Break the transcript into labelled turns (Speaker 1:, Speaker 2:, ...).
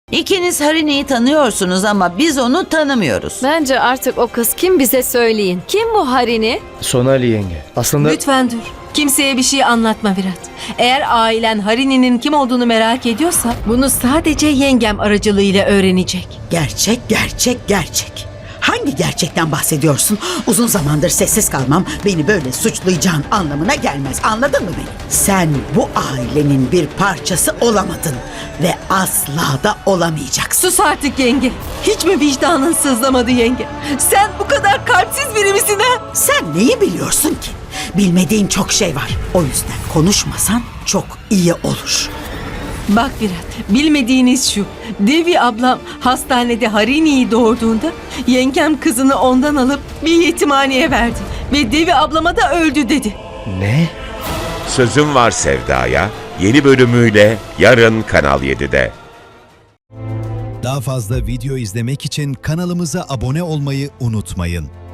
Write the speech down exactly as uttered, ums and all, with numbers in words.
Speaker 1: İkiniz Harini'yi tanıyorsunuz ama biz onu tanımıyoruz.
Speaker 2: Bence artık o kız kim bize söyleyin. Kim bu Harini?
Speaker 3: Sonali yenge. Aslında
Speaker 4: Lütfen dur. Kimseye bir şey anlatma Virat. Eğer ailen Harini'nin kim olduğunu merak ediyorsa bunu sadece yengem aracılığıyla öğrenecek.
Speaker 5: Gerçek, gerçek, gerçek. Hangi gerçekten bahsediyorsun? Uzun zamandır sessiz kalmam beni böyle suçlayacağın anlamına gelmez. Anladın mı beni? Sen bu ailenin bir parçası olamadın ve asla da olamayacaksın.
Speaker 4: Sus artık yenge. Hiç mi vicdanın sızlamadı yenge? Sen bu kadar kalpsiz biri misin ha?
Speaker 5: Sen neyi biliyorsun ki? Bilmediğin çok şey var. O yüzden konuşmasan çok iyi olur.
Speaker 4: Bak Virat, bilmediğiniz şu. Devi ablam hastanede Harini'yi doğurduğunda yengem kızını ondan alıp bir yetimhaneye verdi. Ve Devi ablama da öldü dedi.
Speaker 3: ne?
Speaker 6: Sözüm Var Sevda'ya yeni bölümüyle yarın Kanal yedide.
Speaker 7: Daha fazla video izlemek için kanalımıza abone olmayı unutmayın.